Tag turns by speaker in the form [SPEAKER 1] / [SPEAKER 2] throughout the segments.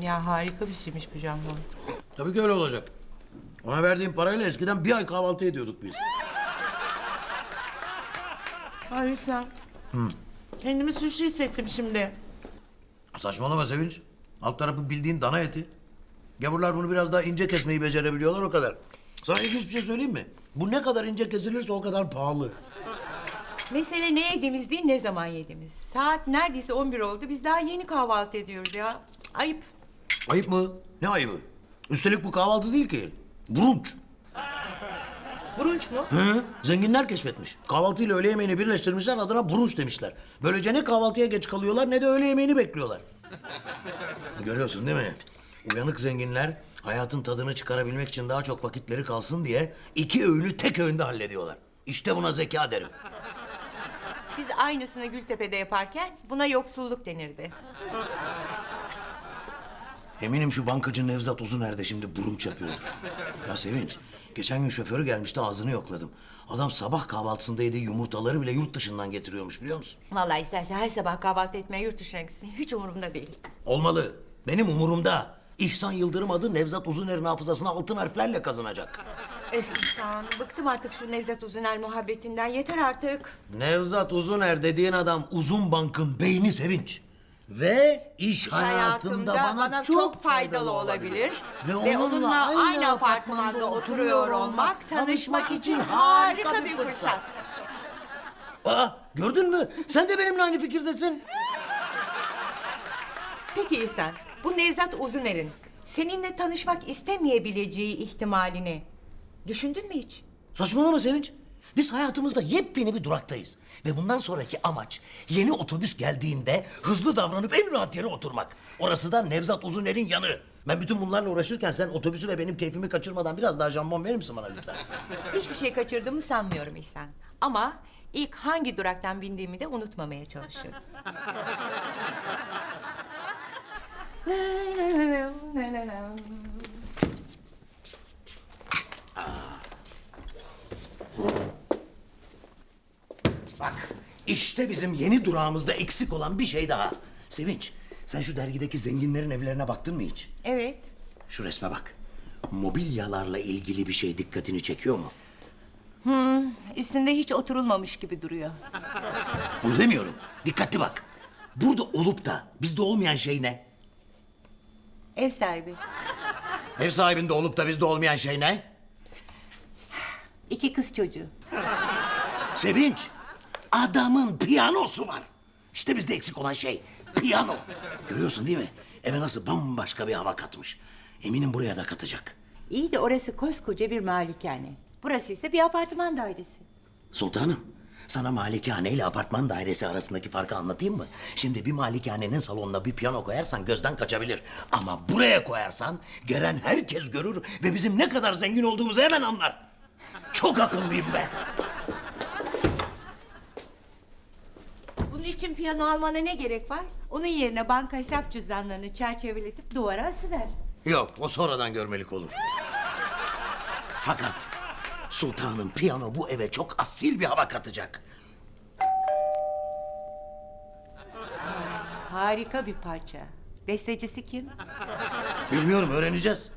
[SPEAKER 1] Ya harika bir şeymiş bu jambon.
[SPEAKER 2] Tabii ki öyle olacak. Ona verdiğim parayla eskiden bir ay kahvaltı ediyorduk biz.
[SPEAKER 1] Ay sen. Kendimi suçlu hissettim şimdi.
[SPEAKER 2] Saçmalama Sevinç. Alt tarafı bildiğin dana eti. Gavurlar bunu biraz daha ince kesmeyi becerebiliyorlar o kadar. Sana ilginç bir şey söyleyeyim mi? Bu ne kadar ince kesilirse o kadar pahalı.
[SPEAKER 1] Mesele ne yediğimiz değil, ne zaman yediğimiz. Saat neredeyse 11 oldu. Biz daha yeni kahvaltı ediyoruz ya. Ayıp.
[SPEAKER 2] Ayıp mı? Ne ayıbı? Üstelik bu kahvaltı değil ki. Brunch.
[SPEAKER 1] Brunch mu?
[SPEAKER 2] Hı? Zenginler keşfetmiş. Kahvaltıyla öğle yemeğini birleştirmişler, adına brunch demişler. Böylece ne kahvaltıya geç kalıyorlar ne de öğle yemeğini bekliyorlar. Görüyorsun değil mi? Uyanık zenginler hayatın tadını çıkarabilmek için daha çok vakitleri kalsın diye 2 öğünü tek öğünde hallediyorlar. İşte buna zeka derim.
[SPEAKER 1] Biz aynısını Gültepe'de yaparken buna yoksulluk denirdi.
[SPEAKER 2] Eminim şu bankacı Nevzat Uzuner de şimdi brunch yapıyordur. Ya Sevinç, geçen gün şoförü gelmişti, ağzını yokladım. Adam sabah kahvaltısında yediği yumurtaları bile yurt dışından getiriyormuş, biliyor musun?
[SPEAKER 1] Vallahi isterse her sabah kahvaltı etmeye yurt dışına gitsin. Hiç umurumda değil.
[SPEAKER 2] Olmalı. Benim umurumda. İhsan Yıldırım adı Nevzat Uzuner'in hafızasına altın harflerle kazanacak.
[SPEAKER 1] İhsan, bıktım artık şu Nevzat Uzuner muhabbetinden. Yeter artık.
[SPEAKER 2] Nevzat Uzuner dediğin adam Uzun Bank'ın beyni Sevinç. Ve iş
[SPEAKER 1] İş
[SPEAKER 2] hayatında bana çok
[SPEAKER 1] faydalı olabilir.
[SPEAKER 2] Ve
[SPEAKER 1] Ve onunla aynı apartmanda oturuyor olmak, tanışmak için harika bir fırsat.
[SPEAKER 2] Aa, gördün mü? Sen de benimle aynı fikirdesin.
[SPEAKER 1] Peki İhsan, bu Nevzat Uzuner'in seninle tanışmak istemeyebileceği ihtimalini düşündün mü hiç?
[SPEAKER 2] Saçmalama Sevinç. Biz hayatımızda yepyeni bir duraktayız. Ve bundan sonraki amaç yeni otobüs geldiğinde hızlı davranıp en rahat yere oturmak. Orası da Nevzat Uzuner'in yanı. Ben bütün bunlarla uğraşırken sen otobüsü ve benim keyfimi kaçırmadan biraz daha jambon verir misin bana lütfen?
[SPEAKER 1] Hiçbir şey kaçırdığımı sanmıyorum İhsan. Ama ilk hangi duraktan bindiğimi de unutmamaya çalışıyorum.
[SPEAKER 2] Bak, işte bizim yeni durağımızda eksik olan bir şey daha. Sevinç, sen şu dergideki zenginlerin evlerine baktın mı hiç?
[SPEAKER 1] Evet.
[SPEAKER 2] Şu resme bak. Mobilyalarla ilgili bir şey dikkatini çekiyor mu?
[SPEAKER 1] Üstünde hiç oturulmamış gibi duruyor.
[SPEAKER 2] Bunu demiyorum. Dikkatli bak. Burada olup da bizde olmayan şey ne?
[SPEAKER 1] Ev sahibi.
[SPEAKER 2] Ev sahibinde olup da bizde olmayan şey ne?
[SPEAKER 1] 2 kız çocuğu.
[SPEAKER 2] Sevinç, adamın piyanosu var. İşte bizde eksik olan şey, piyano. Görüyorsun değil mi? Eve nasıl bambaşka bir hava katmış. Eminim buraya da katacak.
[SPEAKER 1] İyi de orası koskoca bir malikane. Burası ise bir apartman dairesi.
[SPEAKER 2] Sultanım, sana malikane ile apartman dairesi arasındaki farkı anlatayım mı? Şimdi bir malikanenin salonuna bir piyano koyarsan gözden kaçabilir. Ama buraya koyarsan gelen herkes görür ve bizim ne kadar zengin olduğumuzu hemen anlar. Çok akıllıyım ben.
[SPEAKER 1] Bunun için piyano almana ne gerek var? Onun yerine banka hesap cüzdanlarını çerçeveletip duvara asıver.
[SPEAKER 2] Yok, o sonradan görmelik olur. Fakat sultanım, piyano bu eve çok asil bir hava katacak.
[SPEAKER 1] Harika bir parça. Bestecisi kim?
[SPEAKER 2] Bilmiyorum, öğreneceğiz.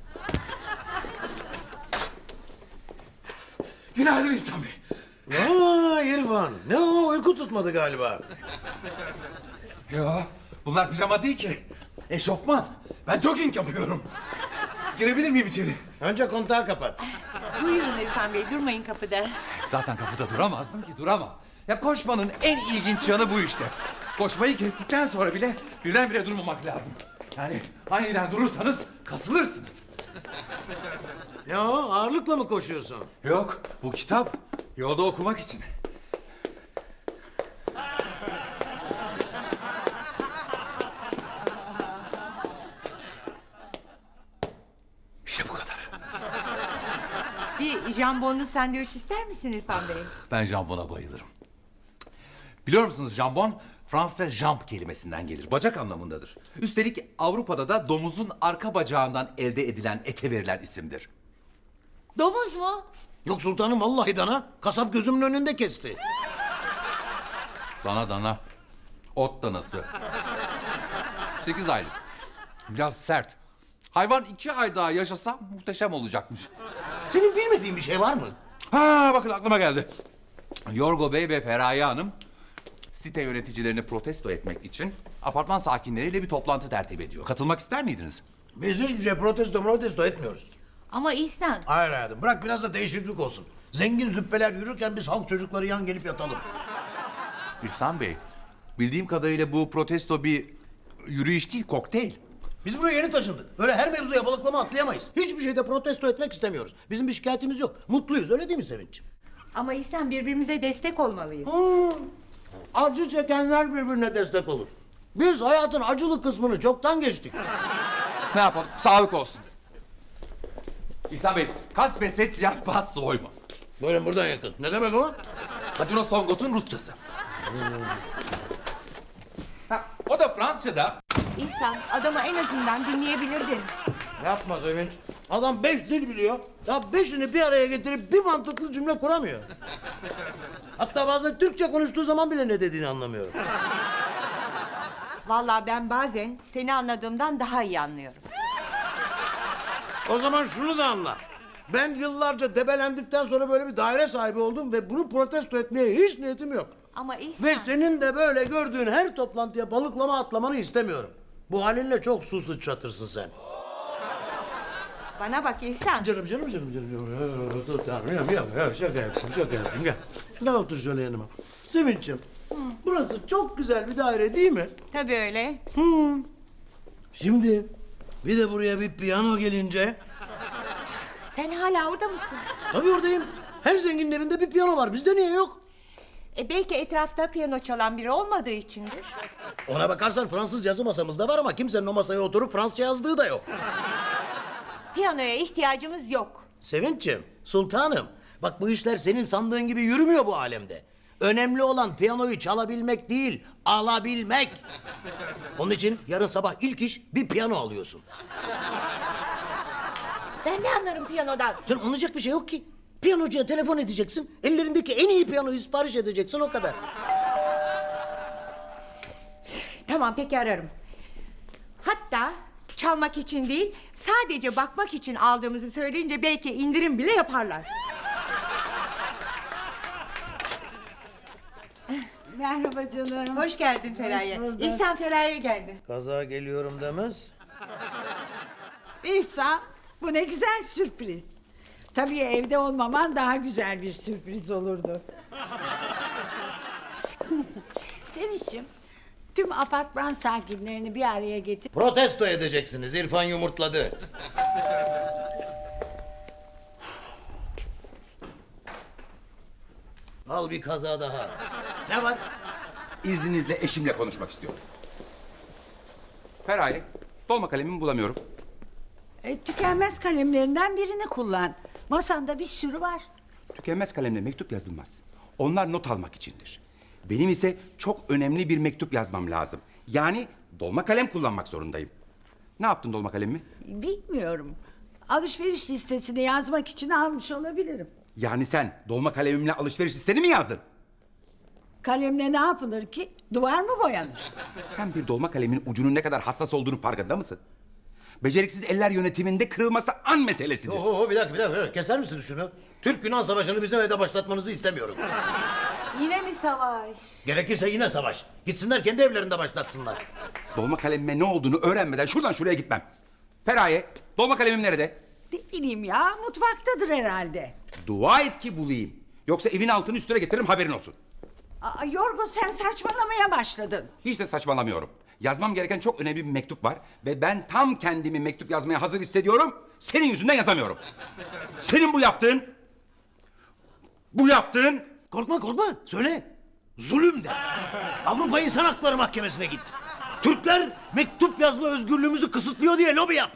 [SPEAKER 3] Günaydın İhsan Bey.
[SPEAKER 2] Aa İrfan, ne o, uyku tutmadı galiba.
[SPEAKER 3] Yo, bunlar pijama değil ki. Eşofman. Ben jogging yapıyorum. Girebilir miyim içeri?
[SPEAKER 2] Önce kontağı kapat.
[SPEAKER 1] Buyurun İrfan Bey, durmayın kapıda.
[SPEAKER 3] Zaten kapıda duramazdım ki, duramam. Ya koşmanın en ilginç yanı bu işte. Koşmayı kestikten sonra bile birdenbire durmamak lazım. Yani aniden durursanız kasılırsınız.
[SPEAKER 2] Ne o, ağırlıkla mı koşuyorsun?
[SPEAKER 3] Yok, bu kitap yolda okumak için. İşte bu kadar.
[SPEAKER 1] Bir jambonlu sandviç ister misin İrfan Bey?
[SPEAKER 3] Ben jambona bayılırım. Biliyor musunuz jambon Fransızca jambe kelimesinden gelir. Bacak anlamındadır. Üstelik Avrupa'da da domuzun arka bacağından elde edilen ete verilen isimdir.
[SPEAKER 1] Domuz mu?
[SPEAKER 2] Yok sultanım, vallahi dana. Kasap gözümün önünde kesti.
[SPEAKER 3] Dana dana. Ot danası. 8 aylık. Biraz sert. Hayvan 2 ay daha yaşasa muhteşem olacakmış.
[SPEAKER 2] Senin bilmediğin bir şey var mı?
[SPEAKER 3] Ha bakın aklıma geldi. Yorgo Bey ve Feraye Hanım site yöneticilerini protesto etmek için apartman sakinleriyle bir toplantı tertip ediyor. Katılmak ister miydiniz?
[SPEAKER 2] Biz hiçbir şey protesto etmiyoruz.
[SPEAKER 1] Ama İhsan,
[SPEAKER 2] Hayır hayatım, bırak biraz da değişiklik olsun. Zengin züppeler yürürken biz halk çocukları yan gelip yatalım.
[SPEAKER 3] İhsan Bey, bildiğim kadarıyla bu protesto bir yürüyüş değil, kokteyl.
[SPEAKER 2] Biz buraya yeni taşındık. Öyle her mevzuya balıklama atlayamayız. Hiçbir şeyde protesto etmek istemiyoruz. Bizim bir şikayetimiz yok. Mutluyuz, öyle değil mi Sevinç'ciğim?
[SPEAKER 1] ama İhsan birbirimize destek olmalıyız.
[SPEAKER 2] Acı çekenler birbirine destek olur. Biz hayatın acılı kısmını çoktan geçtik.
[SPEAKER 3] Ne yapalım? Sağlık olsun. İhsan Bey, kas ve ses siyah bas soy mu?
[SPEAKER 2] Böyle buradan yakın. Ne demek o?
[SPEAKER 3] Hacino Songot'un Rusçası. Ha, o da Fransızca'da.
[SPEAKER 1] İhsan, adamı en azından dinleyebilirdin.
[SPEAKER 2] Yapma Sevinç. Adam 5 dil biliyor. Ya 5'ini bir araya getirip bir mantıklı cümle kuramıyor. Hatta bazen Türkçe konuştuğu zaman bile ne dediğini anlamıyorum.
[SPEAKER 1] Vallahi ben bazen seni anladığımdan daha iyi anlıyorum.
[SPEAKER 2] O zaman şunu da anla. Ben yıllarca debelendikten sonra böyle bir daire sahibi oldum ve bunu protesto etmeye hiç niyetim yok.
[SPEAKER 1] Ama İhsan...
[SPEAKER 2] Ve senin de böyle gördüğün her toplantıya balıklama atlamanı istemiyorum. Bu halinle çok su sıçratırsın sen.
[SPEAKER 1] Bana bak İhsan.
[SPEAKER 2] Canım. Tamam, şaka yaptım. Gel. Gel otur şöyle yanıma. Sevinç'im, burası çok güzel bir daire değil mi?
[SPEAKER 1] Tabii öyle.
[SPEAKER 2] Şimdi bir de buraya bir piyano gelince...
[SPEAKER 1] Sen hala orada mısın?
[SPEAKER 2] Tabii oradayım. Her zenginin evinde bir piyano var. Bizde niye yok?
[SPEAKER 1] Belki etrafta piyano çalan biri olmadığı içindir.
[SPEAKER 2] Ona bakarsan Fransız yazı masamızda var ama kimsenin o masaya oturup Fransızca yazdığı da yok.
[SPEAKER 1] Piyanoya ihtiyacımız yok.
[SPEAKER 2] Sevinç'ciğim, sultanım. Bak bu işler senin sandığın gibi yürümüyor bu alemde. Önemli olan piyanoyu çalabilmek değil, alabilmek. Onun için yarın sabah ilk iş bir piyano alıyorsun.
[SPEAKER 1] Ben ne anlarım piyanodan?
[SPEAKER 2] Canım anlayacak bir şey yok ki. Piyanocuya telefon edeceksin, ellerindeki en iyi piyanoyu sipariş edeceksin, o kadar.
[SPEAKER 1] Tamam, peki ararım. Hatta çalmak için değil, sadece bakmak için aldığımızı söyleyince belki indirim bile yaparlar.
[SPEAKER 4] Merhaba canım.
[SPEAKER 1] Hoş geldin Feraye.
[SPEAKER 4] Hoş bulduk.
[SPEAKER 1] İhsan Feraye geldi.
[SPEAKER 2] Kaza geliyorum demez.
[SPEAKER 4] İhsan, bu ne güzel sürpriz. Tabii evde olmaman daha güzel bir sürpriz olurdu. Sevinç'im, tüm apartman sakinlerini bir araya getir.
[SPEAKER 2] Protesto edeceksiniz, İrfan yumurtladı. Al bir kaza daha. Ne var?
[SPEAKER 3] İzninizle eşimle konuşmak istiyorum. Feraye, dolma kalemimi bulamıyorum.
[SPEAKER 4] Tükenmez kalemlerinden birini kullan. Masanda bir sürü var.
[SPEAKER 3] Tükenmez kalemle mektup yazılmaz. Onlar not almak içindir. Benim ise çok önemli bir mektup yazmam lazım. Yani dolma kalem kullanmak zorundayım. Ne yaptın dolma kalemimi?
[SPEAKER 4] Bilmiyorum. Alışveriş listesini yazmak için almış olabilirim.
[SPEAKER 3] Yani sen dolma kalemimle alışveriş listeni mi yazdın?
[SPEAKER 4] Kalemle ne yapılır ki? Duvar mı boyanır?
[SPEAKER 3] Sen bir dolma kalemin ucunun ne kadar hassas olduğunu farkında mısın? Beceriksiz eller yönetiminde kırılması an meselesidir.
[SPEAKER 2] Bir dakika. Keser misiniz şunu? Türk-Yunan savaşını bizim evde başlatmanızı istemiyorum.
[SPEAKER 1] Yine mi savaş?
[SPEAKER 2] Gerekirse yine savaş. Gitsinler kendi evlerinde başlatsınlar.
[SPEAKER 3] Dolma kalemime ne olduğunu öğrenmeden şuradan şuraya gitmem. Feraye, dolma kalemim nerede?
[SPEAKER 4] Ne bileyim ya, mutfaktadır herhalde.
[SPEAKER 3] Dua et ki bulayım. Yoksa evin altını üstüne getiririm, haberin olsun.
[SPEAKER 4] Yorgo, sen saçmalamaya başladın.
[SPEAKER 3] Hiç de saçmalamıyorum. Yazmam gereken çok önemli bir mektup var. Ve ben tam kendimi mektup yazmaya hazır hissediyorum. Senin yüzünden yazamıyorum. Senin bu yaptığın... Bu yaptığın...
[SPEAKER 2] Korkma. Söyle. Zulüm de. Avrupa İnsan Hakları Mahkemesi'ne git. Türkler mektup yazma özgürlüğümüzü kısıtlıyor diye lobi yap.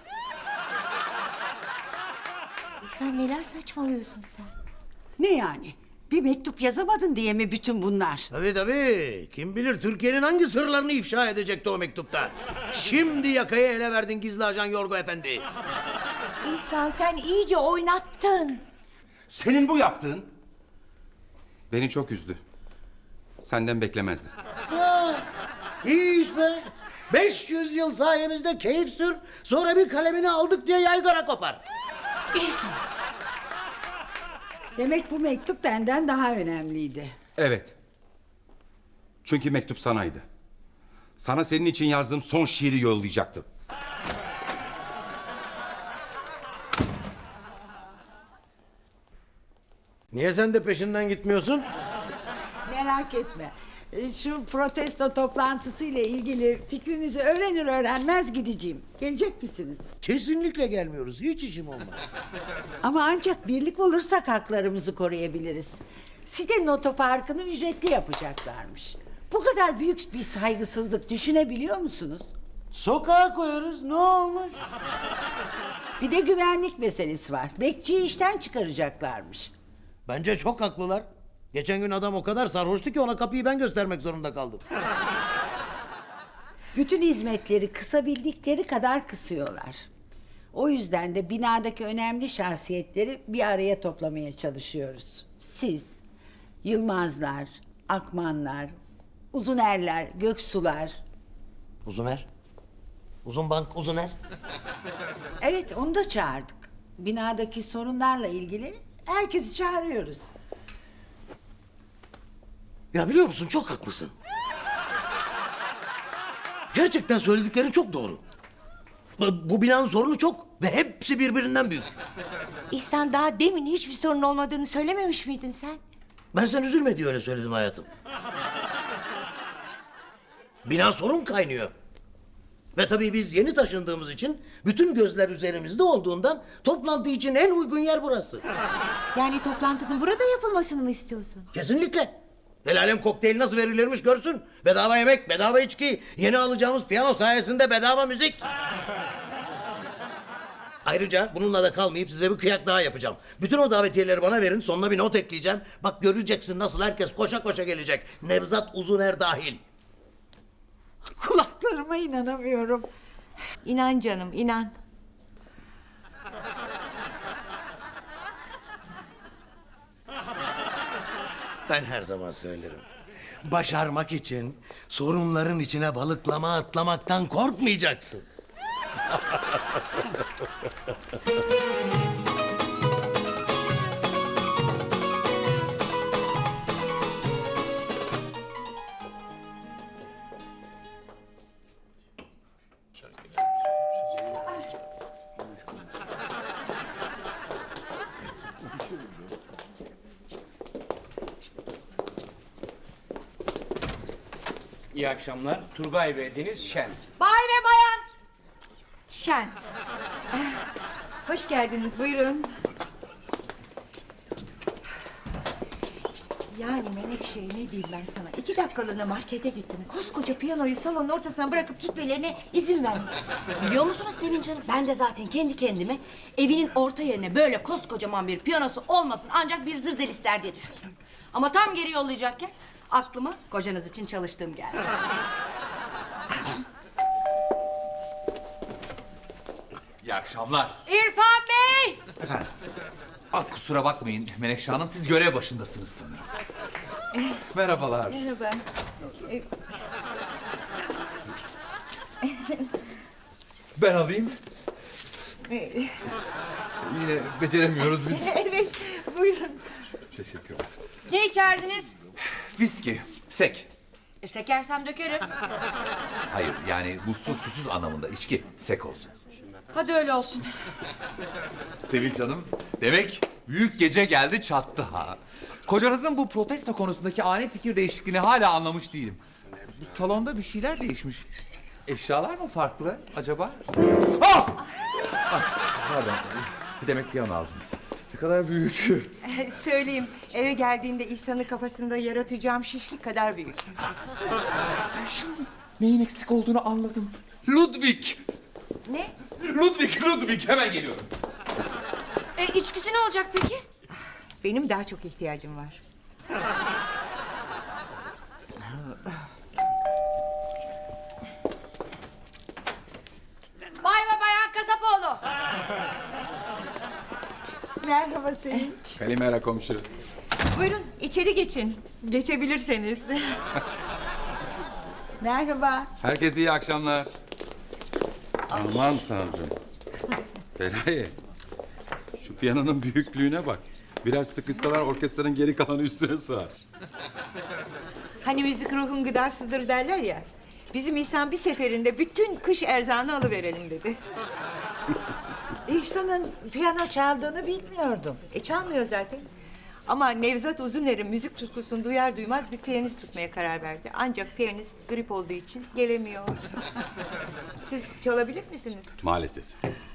[SPEAKER 1] İhsan neler saçmalıyorsun sen?
[SPEAKER 4] Ne yani? Bir mektup yazamadın diye mi bütün bunlar?
[SPEAKER 2] Tabii. Kim bilir Türkiye'nin hangi sırlarını ifşa edecekti o mektupta. Şimdi yakayı ele verdin gizli ajan Yorgo Efendi.
[SPEAKER 1] İhsan sen iyice oynattın.
[SPEAKER 3] Senin bu yaptığın... Beni çok üzdü. Senden beklemezdim.
[SPEAKER 2] İyi iş be. 500 yıl sayemizde keyif sür, sonra bir kalemini aldık diye yaygara kopar.
[SPEAKER 4] Demek bu mektup benden daha önemliydi.
[SPEAKER 5] Evet. Çünkü mektup sanaydı. Sana senin için yazdığım son şiiri yollayacaktım.
[SPEAKER 2] Niye sen de peşinden gitmiyorsun?
[SPEAKER 4] Merak etme. Şu protesto toplantısı ile ilgili fikrinizi öğrenir öğrenmez gideceğim. Gelecek misiniz?
[SPEAKER 2] Kesinlikle gelmiyoruz. Hiç işim olmaz.
[SPEAKER 4] Ama ancak birlik olursak haklarımızı koruyabiliriz. Sitenin otoparkını ücretli yapacaklarmış. Bu kadar büyük bir saygısızlık düşünebiliyor musunuz?
[SPEAKER 2] Sokağa koyarız. Ne olmuş?
[SPEAKER 4] Bir de güvenlik meselesi var. Bekçiyi işten çıkaracaklarmış.
[SPEAKER 2] Bence çok haklılar. Geçen gün adam o kadar sarhoştu ki ona kapıyı ben göstermek zorunda kaldım.
[SPEAKER 4] Bütün hizmetleri kısabildikleri kadar kısıyorlar. O yüzden de binadaki önemli şahsiyetleri bir araya toplamaya çalışıyoruz. Siz, Yılmazlar, Akmanlar, Uzunerler, Göksular.
[SPEAKER 2] Uzuner. Uzun bank Uzuner.
[SPEAKER 4] Evet, onu da çağırdık. Binadaki sorunlarla ilgili herkesi çağırıyoruz.
[SPEAKER 2] Ya biliyor musun çok haklısın. Gerçekten söylediklerin çok doğru. Bu binanın sorunu çok ve hepsi birbirinden büyük.
[SPEAKER 1] İhsan daha demin hiçbir sorun olmadığını söylememiş miydin sen?
[SPEAKER 2] Ben sen üzülme diye öyle söyledim hayatım. Bina sorun kaynıyor. Ve tabii biz yeni taşındığımız için bütün gözler üzerimizde olduğundan toplantı için en uygun yer burası.
[SPEAKER 1] Yani toplantının burada yapılmasını mı istiyorsun?
[SPEAKER 2] Kesinlikle. El alem kokteyl nasıl verilirmiş görsün. Bedava yemek, bedava içki, yeni alacağımız piyano sayesinde bedava müzik. Ayrıca bununla da kalmayıp size bir kıyak daha yapacağım. Bütün o davetiyeleri bana verin, sonuna bir not ekleyeceğim. Bak göreceksin nasıl herkes koşa koşa gelecek. Nevzat Uzuner dahil.
[SPEAKER 4] Kulaklarıma inanamıyorum.
[SPEAKER 1] İnan canım, inan.
[SPEAKER 2] Ben her zaman söylerim. Başarmak için sorunların içine balıklama atlamaktan korkmayacaksın.
[SPEAKER 6] İyi akşamlar. Turgay ve Deniz Şen.
[SPEAKER 7] Bay ve bayan. Şen.
[SPEAKER 1] Hoş geldiniz, buyurun. Yani Menekşe ne diyeyim ben sana? 2 dakikalığına markete gittim. Koskoca piyanoyu salonun ortasına bırakıp gitmelerine izin vermişsin.
[SPEAKER 7] Biliyor musunuz Sevinç Hanım? Ben de zaten kendi kendime evinin orta yerine böyle koskocaman bir piyanosu olmasın ancak bir zırdel ister diye düşündüm. Ama tam geri yollayacakken aklıma kocanız için çalıştığım geldi.
[SPEAKER 3] İyi akşamlar.
[SPEAKER 7] İrfan Bey!
[SPEAKER 3] Efendim. Kusura bakmayın Menekşe Hanım, siz görev başındasınız sanırım. Merhabalar.
[SPEAKER 1] Merhaba.
[SPEAKER 3] Ben alayım. Yine beceremiyoruz biz.
[SPEAKER 1] Evet, buyurun.
[SPEAKER 3] Teşekkürler.
[SPEAKER 7] Ne içerdiniz?
[SPEAKER 3] Viski, sek.
[SPEAKER 7] Sekersem dökerim.
[SPEAKER 3] Hayır, yani buzsuz susuz anlamında içki, sek olsun.
[SPEAKER 7] Hadi öyle olsun.
[SPEAKER 3] Sevinç Hanım, demek büyük gece geldi çattı ha. Kocanızın bu protesto konusundaki ani fikir değişikliğini hala anlamış değilim. Bu salonda bir şeyler değişmiş. Eşyalar mı farklı acaba? Ah! Pardon, demek piyano aldınız. Ne kadar büyük.
[SPEAKER 1] Söyleyeyim, eve geldiğinde İhsan'ın kafasında yaratacağım şişlik kadar büyük.
[SPEAKER 3] Şimdi neyin eksik olduğunu anladım. Ludwig!
[SPEAKER 1] Ne?
[SPEAKER 3] Ludwig, hemen geliyorum.
[SPEAKER 7] İçkisi ne olacak peki?
[SPEAKER 1] Benim daha çok ihtiyacım var.
[SPEAKER 7] Bay ve bayan Kasapoğlu.
[SPEAKER 4] Merhaba Sevinç.
[SPEAKER 5] Kalimera komşu.
[SPEAKER 1] Buyurun, içeri geçin. Geçebilirseniz.
[SPEAKER 4] Merhaba.
[SPEAKER 5] Herkese iyi akşamlar. Aman tanrım. Feraye. Şu piyanonun büyüklüğüne bak. Biraz sıkışsalar orkestranın geri kalanı üstüne sığar.
[SPEAKER 1] Hani müzik ruhun gıdasıdır derler ya. Bizim İhsan bir seferinde bütün kış erzağını alıverelim dedi.
[SPEAKER 4] İhsan'ın piyano çaldığını bilmiyordum.
[SPEAKER 1] Çalmıyor zaten. Ama Nevzat Uzuner'in müzik tutkusunu duyar duymaz bir piyanist tutmaya karar verdi. Ancak piyanist grip olduğu için gelemiyor. Siz çalabilir misiniz?
[SPEAKER 5] Maalesef.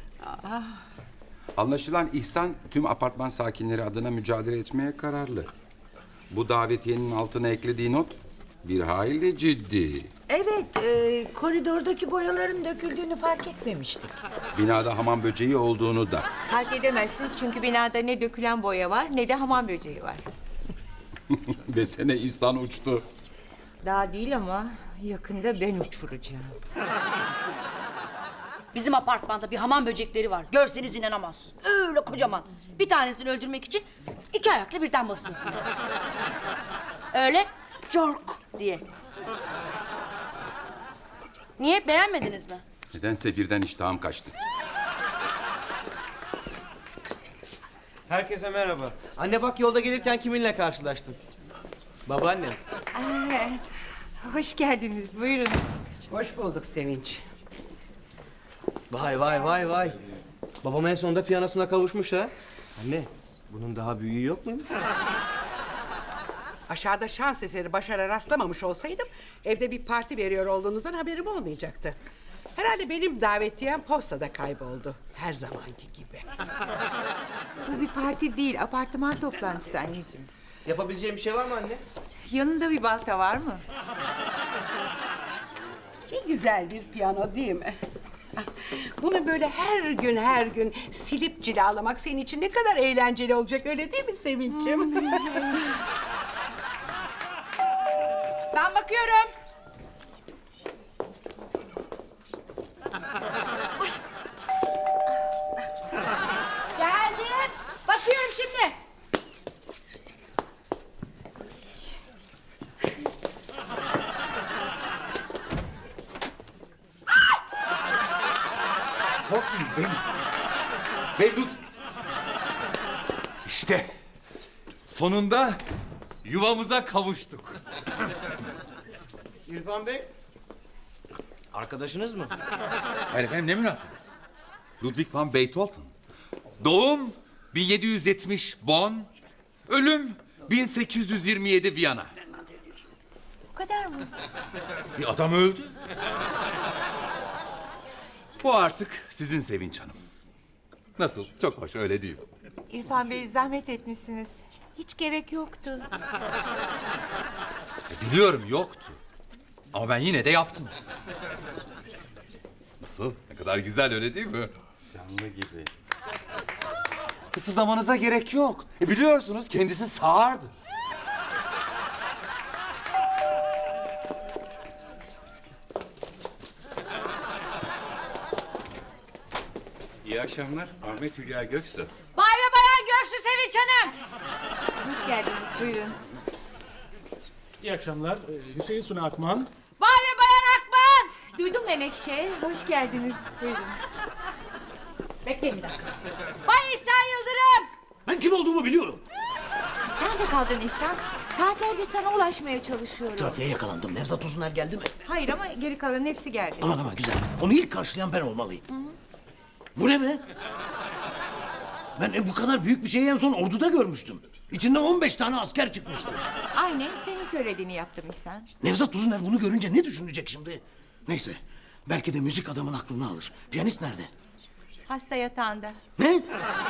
[SPEAKER 5] Anlaşılan İhsan tüm apartman sakinleri adına mücadele etmeye kararlı. Bu davetiyenin altına eklediği not bir hayli ciddi.
[SPEAKER 4] Evet, koridordaki boyaların döküldüğünü fark etmemiştik.
[SPEAKER 5] Binada hamam böceği olduğunu da.
[SPEAKER 1] Fark edemezsiniz çünkü binada ne dökülen boya var ne de hamam böceği var.
[SPEAKER 5] Desene İhsan uçtu.
[SPEAKER 1] Daha değil ama yakında ben uçuracağım.
[SPEAKER 7] Bizim apartmanda bir hamam böcekleri var. Görseniz inanamazsınız. Öyle kocaman. Bir tanesini öldürmek için 2 ayakla birden basıyorsunuz. Öyle cork diye. Niye? Beğenmediniz mi?
[SPEAKER 5] Nedense birden iştahım kaçtı.
[SPEAKER 6] Herkese merhaba. Anne bak yolda gelirken kiminle karşılaştım? Babaannem.
[SPEAKER 1] Hoş geldiniz, buyurun.
[SPEAKER 8] Hoş bulduk Sevinç.
[SPEAKER 6] Vay vay vay vay. Babam en sonunda piyanosuna kavuşmuş ha. Anne bunun daha büyüğü yok muymuş?
[SPEAKER 8] Aşağıda şans eseri başarı rastlamamış olsaydım evde bir parti veriyor olduğunuzdan haberim olmayacaktı. Herhalde benim davetiyem postada kayboldu. Her zamanki gibi.
[SPEAKER 1] Bu bir parti değil, apartman toplantısı anneciğim.
[SPEAKER 6] Yapabileceğim bir şey var mı anne?
[SPEAKER 1] Yanında bir balta var mı?
[SPEAKER 8] Ne güzel bir piyano değil mi? Bunu böyle her gün silip cilalamak senin için ne kadar eğlenceli olacak öyle değil mi Sevinç'im?
[SPEAKER 7] Ben bakıyorum. Geldim. Bakıyorum şimdi.
[SPEAKER 3] Korkmayın benim. Mevlüt. İşte sonunda yuvamıza kavuştuk.
[SPEAKER 6] İrfan Bey. Arkadaşınız mı?
[SPEAKER 3] Hayır efendim ne münasebet. Ludwig van Beethoven. Doğum 1770 Bonn. Ölüm 1827 Viyana.
[SPEAKER 1] Bu kadar mı?
[SPEAKER 3] Bir adam öldü. Bu artık sizin Sevinç Hanım. Nasıl? Çok hoş öyle değil mi?
[SPEAKER 1] İrfan Bey zahmet etmişsiniz. Hiç gerek yoktu.
[SPEAKER 3] Biliyorum yoktu. Ama ben yine de yaptım. Nasıl? Ne kadar güzel öyle değil mi?
[SPEAKER 5] Canlı gibi.
[SPEAKER 3] Fısıldamanıza gerek yok. Biliyorsunuz kendisi sağırdır.
[SPEAKER 9] İyi akşamlar. Ahmet Hülya Göksu.
[SPEAKER 7] Bay ve Bayan Göksu Sevinç Hanım.
[SPEAKER 1] Hoş geldiniz, buyurun.
[SPEAKER 10] İyi akşamlar. Hüseyin Suna Akman.
[SPEAKER 7] Bay ve Bayan Akman.
[SPEAKER 1] Duydum Menekşe, hoş geldiniz, buyurun.
[SPEAKER 7] Bekleyin bir dakika. Bay İhsan Yıldırım.
[SPEAKER 2] Ben kim olduğumu biliyorum.
[SPEAKER 1] Nerede kaldın İhsan? Saatlerdir sana ulaşmaya çalışıyorum.
[SPEAKER 2] Trafiğe yakalandım. Nevzat Uzuner geldi mi?
[SPEAKER 1] Hayır ama geri kalan hepsi geldi.
[SPEAKER 2] Aman güzel. Onu ilk karşılayan ben olmalıyım. Bu ne be? Ben bu kadar büyük bir şeyi en son orduda görmüştüm. İçinden 15 tane asker çıkmıştı.
[SPEAKER 1] Aynen senin söylediğini yaptım İhsan.
[SPEAKER 2] Nevzat Uzuner bunu görünce ne düşünecek şimdi? Neyse. Belki de müzik adamın aklını alır. Piyanist nerede?
[SPEAKER 1] Hasta yatağında.
[SPEAKER 2] Ne?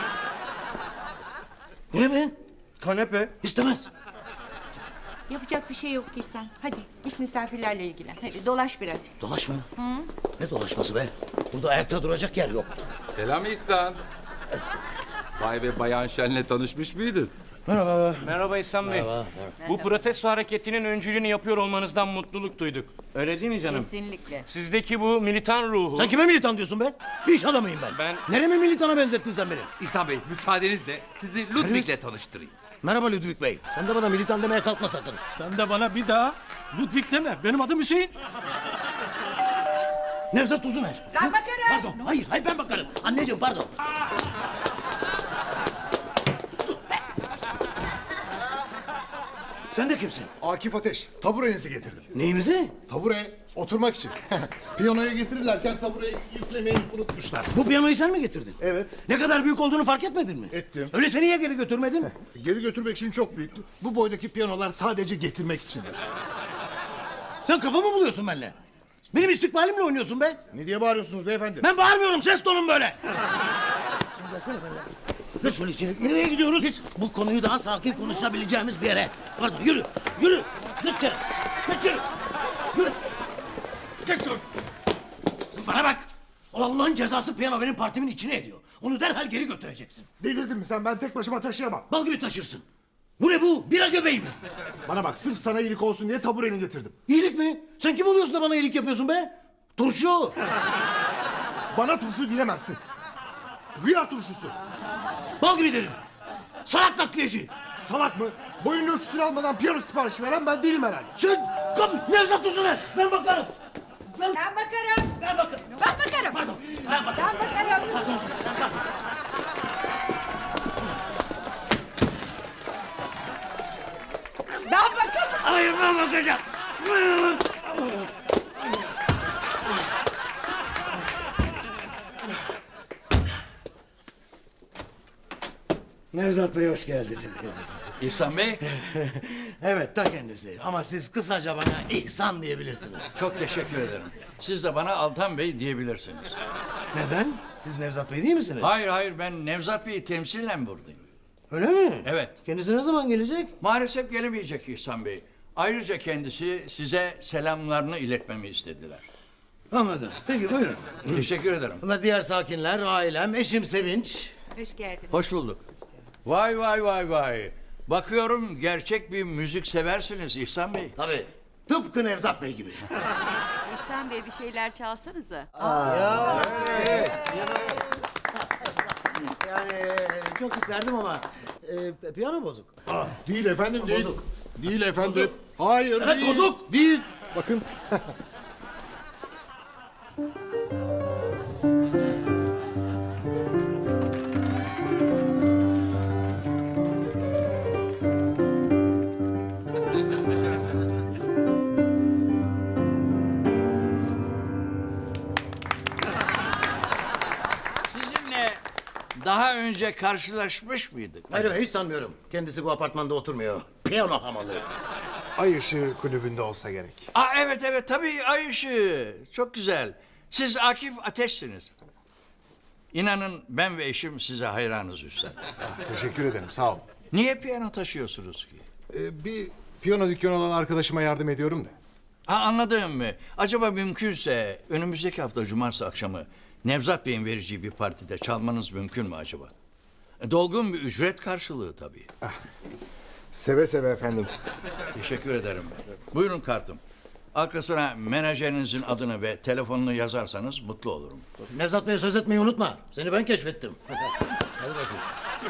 [SPEAKER 2] Bu ne be?
[SPEAKER 6] Kanepe.
[SPEAKER 2] İstemez.
[SPEAKER 1] Yapacak bir şey yok İhsan. Hadi git misafirlerle ilgilen. Hadi dolaş biraz.
[SPEAKER 2] Dolaş mı? Ne dolaşması be? Burada ayakta duracak yer yok.
[SPEAKER 5] Selam İhsan. Vay be Bayan Şen'le tanışmış mıydın?
[SPEAKER 2] Merhaba.
[SPEAKER 9] Merhaba İhsan Bey. Bu protesto hareketinin öncülüğünü yapıyor olmanızdan mutluluk duyduk. Öyle değil mi canım?
[SPEAKER 7] Kesinlikle.
[SPEAKER 9] Sizdeki bu militan ruhu...
[SPEAKER 2] Sen kime militan diyorsun be? İş adamıyım ben.
[SPEAKER 9] Ben-
[SPEAKER 2] Nereme militana benzettin sen beni?
[SPEAKER 3] İhsan Bey, müsaadenizle sizi Ludwig'le tanıştırayım.
[SPEAKER 2] Merhaba Ludwig Bey. Sen de bana militan demeye kalkma sakın.
[SPEAKER 10] Sen de bana bir daha Ludwig deme. Benim adım Hüseyin.
[SPEAKER 2] Nevzat Uzuner.
[SPEAKER 7] Ben bakarım.
[SPEAKER 2] Pardon. Hayır ben bakarım. Anneciğim pardon. Sen de kimsin?
[SPEAKER 11] Akif Ateş, taburenizi getirdim.
[SPEAKER 2] Neyimizi?
[SPEAKER 11] Tabure, oturmak için. Piyanoya getirirlerken tabureyi yüklemeyi unutmuşlar.
[SPEAKER 2] Bu piyanoyu sen mi getirdin?
[SPEAKER 11] Evet.
[SPEAKER 2] Ne kadar büyük olduğunu fark etmedin mi?
[SPEAKER 11] Ettim.
[SPEAKER 2] Öyleyse niye geri götürmedin?
[SPEAKER 11] Geri götürmek için çok büyüktü. Bu boydaki piyanolar sadece getirmek içindir.
[SPEAKER 2] Sen kafa mı buluyorsun benimle? Benim istikbalimle oynuyorsun be.
[SPEAKER 11] Ne diye bağırıyorsunuz beyefendi?
[SPEAKER 2] Ben bağırmıyorum, ses tonum böyle. Dur şöyle içeri. Nereye gidiyoruz? Hiç bu konuyu daha sakin konuşabileceğimiz bir yere. Pardon, yürü. Geç içeri. Yürü. Geç şöyle. Bana bak. O Allah'ın cezası piyano benim partimin içine ediyor. Onu derhal geri götüreceksin.
[SPEAKER 11] Delirdin mi sen? Ben tek başıma taşıyamam.
[SPEAKER 2] Bal gibi taşırsın. Bu ne bu? Bira göbeği mi?
[SPEAKER 11] Bana bak, sırf sana iyilik olsun diye tabureni getirdim.
[SPEAKER 2] İyilik mi? Sen kim oluyorsun da bana iyilik yapıyorsun be? Turşu.
[SPEAKER 11] Bana turşu dilemezsin. Hıyar turşusu.
[SPEAKER 2] Bal gibi derim. Salak nakliyeci.
[SPEAKER 11] Salak mı? Boyun ölçüsünü almadan piyano siparişi veren ben değilim herhalde.
[SPEAKER 2] Sen kap Nevzat Uzuner. Ben bakarım.
[SPEAKER 7] Ben bakarım.
[SPEAKER 2] Ben bakarım.
[SPEAKER 7] Ben bakarım.
[SPEAKER 2] Pardon. Ben bakarım.
[SPEAKER 7] Ben bakarım. Ben bakarım.
[SPEAKER 2] Hayır ben bakacağım. Nevzat Bey hoş geldiniz.
[SPEAKER 12] İhsan Bey,
[SPEAKER 2] Evet ta kendisi ama siz kısaca bana İhsan diyebilirsiniz.
[SPEAKER 12] çok teşekkür ederim. Siz de bana Altan Bey diyebilirsiniz.
[SPEAKER 2] Neden? Siz Nevzat Bey değil misiniz?
[SPEAKER 12] Hayır, ben Nevzat Bey'i temsilen buradayım.
[SPEAKER 2] Öyle mi?
[SPEAKER 12] Evet.
[SPEAKER 2] Kendisi ne zaman gelecek?
[SPEAKER 12] Maalesef gelemeyecek İhsan Bey. Ayrıca kendisi size selamlarını iletmemi istediler.
[SPEAKER 2] Anladım. Peki buyurun.
[SPEAKER 12] Teşekkür ederim.
[SPEAKER 2] Bunlar diğer sakinler, ailem, eşim Sevinç.
[SPEAKER 1] Hoş geldin.
[SPEAKER 12] Hoş bulduk. Vay. Bakıyorum gerçek bir müzik seversiniz İhsan Bey.
[SPEAKER 2] Tabii. Tıpkı Nevzat Bey gibi.
[SPEAKER 13] İhsan Bey bir şeyler çalsanıza.
[SPEAKER 2] Yani çok isterdim ama piyano bozuk.
[SPEAKER 11] Değil efendim, değil.
[SPEAKER 2] Bozuk.
[SPEAKER 11] Değil efendim. Hayır,
[SPEAKER 2] Evet,
[SPEAKER 11] değil.
[SPEAKER 2] bozuk.
[SPEAKER 11] Değil. Bakın.
[SPEAKER 12] Sizinle daha önce karşılaşmış mıydık?
[SPEAKER 2] Hayır hiç sanmıyorum. Kendisi bu apartmanda oturmuyor. Piyano hamalı.
[SPEAKER 11] Ay ışığı kulübünde olsa gerek.
[SPEAKER 12] Evet tabii ay ışığı. Çok güzel. Siz Akif Ateş'siniz. İnanın ben ve eşim size hayranız üstad.
[SPEAKER 11] Teşekkür ederim, sağ ol.
[SPEAKER 12] Niye piyano taşıyorsunuz ki?
[SPEAKER 11] Bir piyano dükkanı olan arkadaşıma yardım ediyorum da.
[SPEAKER 12] Anladım mı? Acaba mümkünse önümüzdeki hafta cumartesi akşamı Nevzat Bey'in vereceği bir partide çalmanız mümkün mü acaba? Dolgun bir ücret karşılığı tabii.
[SPEAKER 11] Seve seve efendim.
[SPEAKER 12] Teşekkür ederim. Buyurun kartım. Arkasına menajerinizin adını ve telefonunu yazarsanız mutlu olurum.
[SPEAKER 2] Nevzat Bey'e söz etmeyi unutma. Seni ben keşfettim. Hadi bakayım.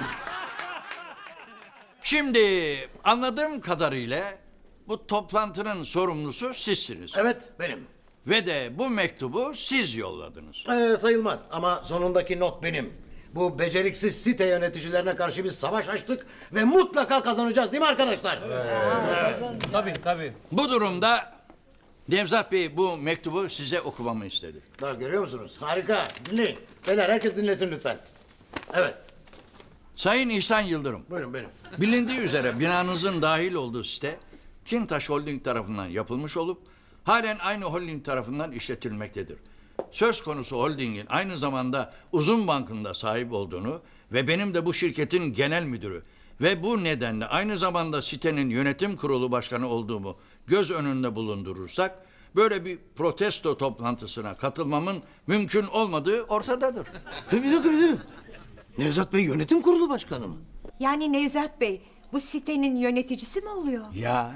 [SPEAKER 12] Şimdi anladığım kadarıyla bu toplantının sorumlusu sizsiniz.
[SPEAKER 2] Evet benim.
[SPEAKER 12] Ve de bu mektubu siz yolladınız.
[SPEAKER 2] Sayılmaz ama sonundaki not benim. Bu beceriksiz site yöneticilerine karşı bir savaş açtık ve mutlaka kazanacağız değil mi arkadaşlar?
[SPEAKER 9] Tabii.
[SPEAKER 12] Bu durumda Nevzat Bey bu mektubu size okumamı istedi.
[SPEAKER 2] Bak görüyor musunuz? Harika. Dinleyin. Beyler herkes dinlesin lütfen. Evet.
[SPEAKER 12] Sayın İhsan Yıldırım.
[SPEAKER 2] Buyurun benim.
[SPEAKER 12] Bilindiği üzere binanızın dahil olduğu site Kintaş Holding tarafından yapılmış olup halen aynı holding tarafından işletilmektedir. Söz konusu holdingin aynı zamanda Uzun Bank'ın sahip olduğunu ve benim de bu şirketin genel müdürü ve bu nedenle aynı zamanda sitenin yönetim kurulu başkanı olduğumu göz önünde bulundurursak böyle bir protesto toplantısına katılmamın mümkün olmadığı ortadadır.
[SPEAKER 2] Bir dakika. Nevzat Bey yönetim kurulu başkanı mı?
[SPEAKER 1] Yani Nevzat Bey, bu sitenin yöneticisi mi oluyor?
[SPEAKER 12] Ya.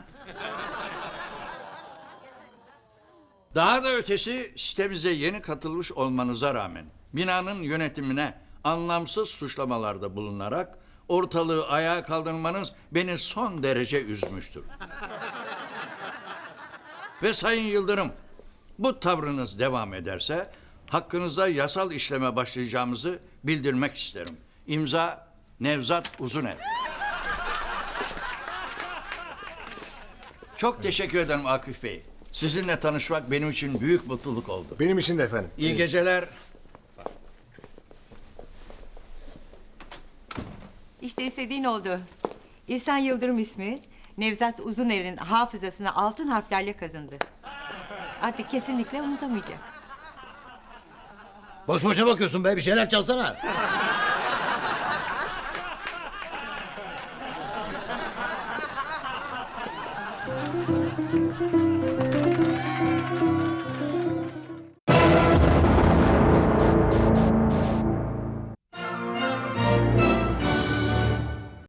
[SPEAKER 12] Daha da ötesi sitemize yeni katılmış olmanıza rağmen binanın yönetimine anlamsız suçlamalarda bulunarak ortalığı ayağa kaldırmanız beni son derece üzmüştür. Ve Sayın Yıldırım, bu tavrınız devam ederse hakkınızda yasal işleme başlayacağımızı bildirmek isterim. İmza Nevzat Uzuner. Çok teşekkür ederim Akif Bey. Sizinle tanışmak benim için büyük mutluluk oldu.
[SPEAKER 11] Benim için de efendim.
[SPEAKER 12] İyi geceler.
[SPEAKER 1] İşte istediğin oldu. İhsan Yıldırım ismi Nevzat Uzuner'in hafızasına altın harflerle kazındı. Artık kesinlikle unutamayacak.
[SPEAKER 2] Boş boşuna bakıyorsun be, bir şeyler çalsana.